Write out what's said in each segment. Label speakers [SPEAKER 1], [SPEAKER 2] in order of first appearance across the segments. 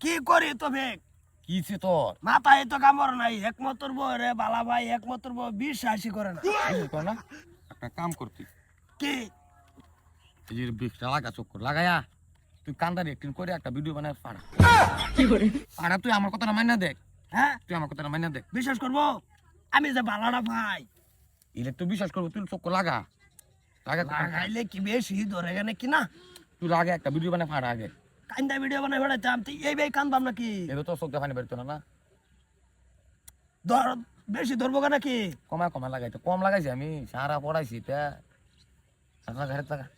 [SPEAKER 1] কি করি তবে
[SPEAKER 2] কিছে তোর
[SPEAKER 1] মাথায় তো কামড় নাই একমাত্র বউ রে বালা ভাই একমাত্র বউ বিশ্বাসই করে না
[SPEAKER 2] বিশ্বাস কর না একটা কাম করতি
[SPEAKER 1] কি
[SPEAKER 2] এই যে বিকটা লাগা চক্কর লাগায়া তুই কান্দারি একদিন করে একটা ভিডিও বানায় পাড়া
[SPEAKER 3] কি করে
[SPEAKER 2] পাড়া তুই আমার কথাটা মাইনা দেখ
[SPEAKER 1] হ্যাঁ
[SPEAKER 2] তুই আমার কথাটা মাইনা দেখ
[SPEAKER 1] বিশ্বাস করবো আমি যে বালাটা ভাই
[SPEAKER 2] ইলে তুই বিশ্বাস করবো তুই চক্কর লাগা লাগা
[SPEAKER 1] লাগাইলে কি বেশি ধরে গেলে কি না
[SPEAKER 2] তুই লাগে একটা ভিডিও বানায় পাড়া আগে
[SPEAKER 1] কান্দা ভিডিও বানাই বেড়াইতাম তুই এই ভাই কান্দবাম নাকি
[SPEAKER 2] এটা তো চোখ দেখানি বেরতো না
[SPEAKER 1] ধর বেশি ধরবো কেন নাকি
[SPEAKER 2] কমা কমা লাগাইতো কম লাগাইছি আমি সারা পড়াইছি তা লাগা ঘরে লাগা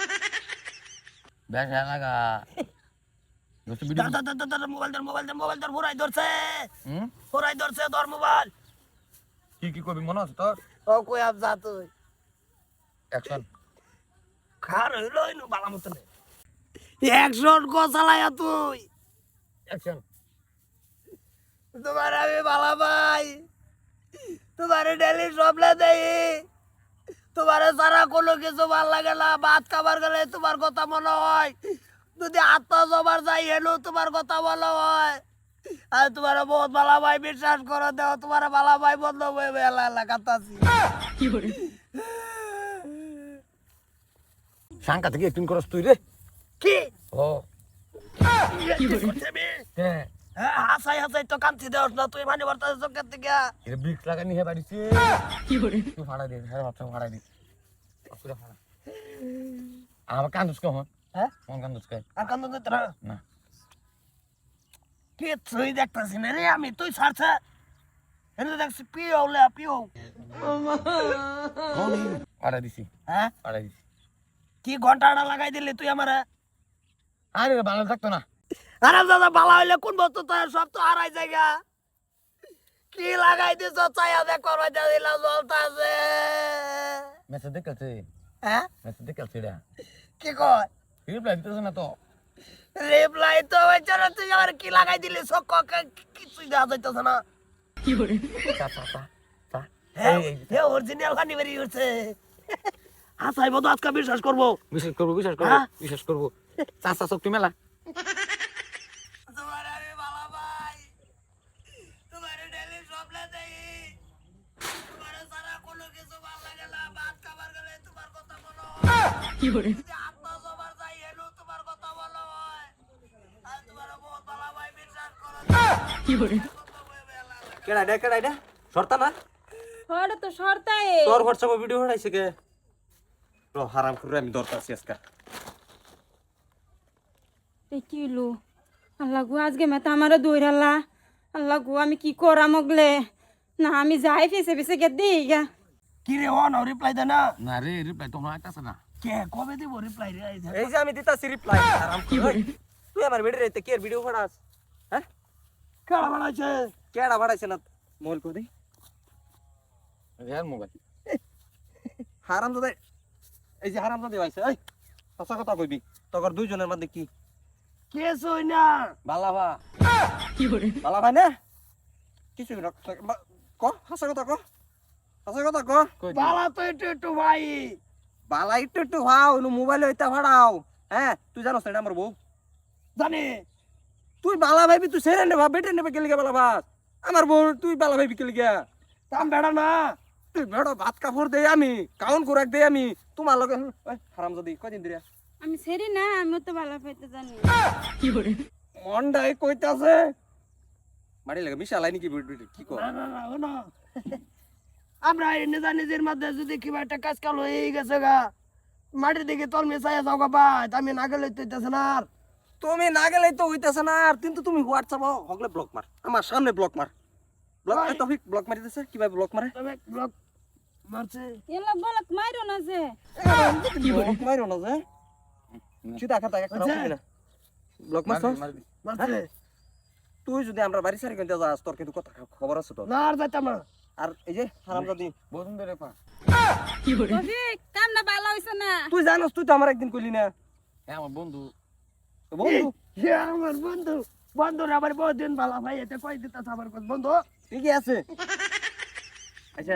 [SPEAKER 2] বেশ লাগা ভিডিও
[SPEAKER 1] মোবাইল ধর ফোরাই ধরছে
[SPEAKER 2] হুম
[SPEAKER 1] ফোরাই ধরছে ধর মোবাইল
[SPEAKER 2] কি কি করবি মনে আছে তোর
[SPEAKER 1] ও কই আপ যা তুই
[SPEAKER 2] অ্যাকশন
[SPEAKER 1] খার হইলো ইনু বালা মতন অ্যাকশন কো চালায়া তুই
[SPEAKER 2] অ্যাকশন
[SPEAKER 1] তোমার আমি বালা ভাই তোমারে ডেলি সবলে দেই তোমারে সারা কোনো কিছু ভাল লাগে না ভাত খাবার গেলে তোমার কথা মনে হয় যদি আত্মা জবার যাই হেলো তোমার কথা মনে হয় আর তোমার বহুত বালা ভাই বিশ্বাস করে দেও তোমার বালা ভাই বন্ধ হয়ে এলাকাতাছি
[SPEAKER 3] কি করে
[SPEAKER 2] শাঙ্কা থেকে একদিন করস তুই রে
[SPEAKER 1] কি
[SPEAKER 2] ও
[SPEAKER 3] কি করে
[SPEAKER 2] হ্যাঁ
[SPEAKER 1] হাসাই হাসাই তো কান্তি দেওস না তুই মানে বর্তা চোখের থেকে
[SPEAKER 2] এটা ব্রিক্স লাগানি হে বাড়িছে
[SPEAKER 3] কি করে
[SPEAKER 2] তুই ভাড়া দে হ্যাঁ ভাবছা ভাড়া দে পুরো ভাড়া আমার কান্দুস কখন
[SPEAKER 1] হ্যাঁ
[SPEAKER 2] কোন কান্দুস কে
[SPEAKER 1] আর কান্দ দিত না
[SPEAKER 2] না
[SPEAKER 1] কিছুই দেখতেছি না রে আমি তুই ছাড়ছে এনে দেখছি পিও লে পিও
[SPEAKER 2] ভাড়া দিছি
[SPEAKER 1] হ্যাঁ
[SPEAKER 2] ভাড়া দিছি
[SPEAKER 1] কি ঘন্টাটা লাগাই দিলি তুই আমারে
[SPEAKER 2] আরে ভালো থাকতো না
[SPEAKER 1] আরে দাদা বালা হইলে কোন বস্তু তো সব তো হারাই জায়গা কি লাগাই দিছ চায়া দেখ করবাই দিলা জ্বলতাছে
[SPEAKER 2] মেসেজ দেখেছে
[SPEAKER 1] হ্যাঁ
[SPEAKER 2] মেসেজ দেখেছে রে
[SPEAKER 1] কি কয়
[SPEAKER 2] রিপ্লাই দিতেছ না তো
[SPEAKER 1] রিপ্লাই তো হইছে না তুই আর কি লাগাই দিলি সব কিছুই দেখা যাইতেছে না
[SPEAKER 3] কি করে
[SPEAKER 2] চা চা চা চা
[SPEAKER 1] হ্যাঁ অরিজিনাল খানি বেরিয়ে উঠছে হাসাই বন্ধু আজকে বিশ্বাস করবো
[SPEAKER 2] বিশ্বাস করবো
[SPEAKER 1] হ্যাঁ?
[SPEAKER 2] বিশ্বাস করবো চা চা শক্তি মেলা
[SPEAKER 1] তোমার আমি বালা ভাই তোমার ডেলি সবলে দেই তোমার সারা কোনো কিছু ভালো লাগে না ভাত খাবার গেলে তোমার কথা মনে হয়
[SPEAKER 3] কি করে
[SPEAKER 1] যদি আত্মা জবার যাই হেলো তোমার কথা মনে হয় আর তোমার বহুত বালা ভাই বিশ্বাস করো
[SPEAKER 3] কি করে
[SPEAKER 4] কেডা এটা সরতা না
[SPEAKER 3] হড় তো সরতাই
[SPEAKER 4] তোর হোয়াটসঅ্যাপে ভিডিও হড়াইছে কে র হারাম করে আমি দরকার আছি আজকে
[SPEAKER 3] এই কি লো আল্লাহ গো আজকে মেতা আমারে দৌড়ালা আল্লাহ গো আমি কি করা মগলে না আমি যাই ফেসে ফেসে গে দিই গা
[SPEAKER 1] কি রে অন রিপ্লাই দে না
[SPEAKER 2] না রে রিপ্লাই তোমরা আইতাছে না
[SPEAKER 1] কে কবে দিব রিপ্লাই রে
[SPEAKER 4] এই যে আমি দিতাছি রিপ্লাই হারাম
[SPEAKER 3] কি
[SPEAKER 4] করে
[SPEAKER 3] করে
[SPEAKER 4] তুই আমার ভিডিও রেতে কে ভিডিও হড়াস হ্যাঁ
[SPEAKER 1] কারা বানাইছে
[SPEAKER 4] কেডা বাড়াইছে না মোবাইল করে
[SPEAKER 2] রিয়ার মোবাইল
[SPEAKER 4] হারাম দাদা এই যে হারাম দাদা আইছে এই সঁচা কথা কইবি তোর দুইজনের মধ্যে কি
[SPEAKER 1] কে সই না
[SPEAKER 4] বালা ভা
[SPEAKER 3] কি করে
[SPEAKER 4] বালা ভাই না কিছু না ক হাসা কথা ক হাসা কথা ক
[SPEAKER 1] বালা তো একটু একটু ভাই
[SPEAKER 4] বালা একটু ভাও মোবাইল হইতা ভাড়াও হ্যাঁ তুই জানোস না এটা আমার বউ
[SPEAKER 1] জানি
[SPEAKER 4] তুই বালা ভাইবি তুই সেরে নে ভাব বেটে নেবে গেলি বালা ভাত আমার বউ তুই বালা ভাইবি গেলি গিয়া
[SPEAKER 1] তাম বেড়া না
[SPEAKER 4] তুই বেড়ো ভাত কাপড় দেই আমি কাউন কুরাক দেই আমি তোমার লগে হারাম যদি কয়দিন দিরা
[SPEAKER 3] আমি সেরি না আমি তো ভালো পাইতে জানি কি করে
[SPEAKER 4] মন্ডাই কইতাছে মারি লাগে মিশালাই নাকি কি কর
[SPEAKER 1] না না না ও না আমরা নিজা নিজের মধ্যে যদি কিবা একটা কাজ কাল হয়ে গেছে গা মাটির দিকে তল মেশাই যাও গা ভাই আমি না গেলে তো হইতেছে না আর
[SPEAKER 4] তুমি না গেলে তো হইতাছে না আর কিন্তু তুমি হোয়াটসঅ্যাপ হগলে ব্লক মার আমার সামনে ব্লক মার ব্লক
[SPEAKER 1] ভাই।
[SPEAKER 4] তফিক ব্লক মারি দিছে কিভাবে ব্লক মারে
[SPEAKER 1] তবে ব্লক মারছে
[SPEAKER 3] এলা বলক মাইরো না যে
[SPEAKER 4] ব্লক মারো না যে চিতা খাতা একটা
[SPEAKER 1] আচ্ছা।
[SPEAKER 4] না ব্লক মারছ
[SPEAKER 1] মারছে
[SPEAKER 4] তুই যদি আমরা বাড়ি সারি কিনতে যাস তোর কিন্তু কথা খবর আছে তো
[SPEAKER 1] না আর যাইতাম না
[SPEAKER 4] আর এই যে হারামজাদি
[SPEAKER 2] বহুদিন ধরে পা
[SPEAKER 3] কি করে তফিক কামনা ভালো হইছে না
[SPEAKER 4] তুই জানোস তুই তো আমার একদিন কইলি না
[SPEAKER 2] হ্যাঁ আমার বন্ধু
[SPEAKER 4] তো বন্ধু
[SPEAKER 1] এ আমার বন্ধু বন্ধুর আবার বহুত দিন ভালো ভাই এটা কই দিতাছ আমার বন্ধু
[SPEAKER 4] ঠিকই আছে আচ্ছা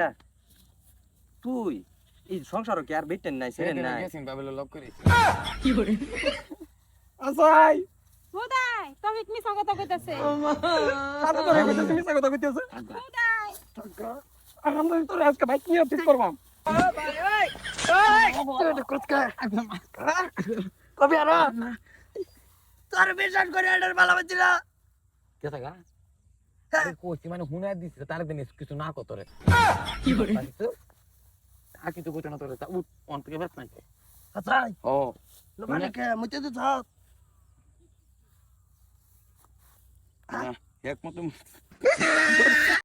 [SPEAKER 4] তুই এই সংসার কি আর বেটেন নাই সেরেন নাই
[SPEAKER 2] গেছেন বাবেল লক করে
[SPEAKER 3] কি করে
[SPEAKER 1] আসাই
[SPEAKER 3] হোদাই তবে মিছা কথা কইতাছে
[SPEAKER 4] আরে তোরে কইতেছ মিছা কথা কইতেছ
[SPEAKER 3] খুদাই
[SPEAKER 4] আমরা তোরে আজকে ভাই কি অফিস করবাম
[SPEAKER 1] কবি আর তোর বিশ্বাস করে এটার ভালো পাচ্ছি না
[SPEAKER 2] কে থাকা কোচি মানে হুনে দিছে তার দিন কিছু না কত রে আর কিছু কইতে না তোরে উঠ অন থেকে বেশ নাই
[SPEAKER 1] আচ্ছা
[SPEAKER 2] ও
[SPEAKER 1] মানে কে মুতে তো থাক
[SPEAKER 2] এক মতো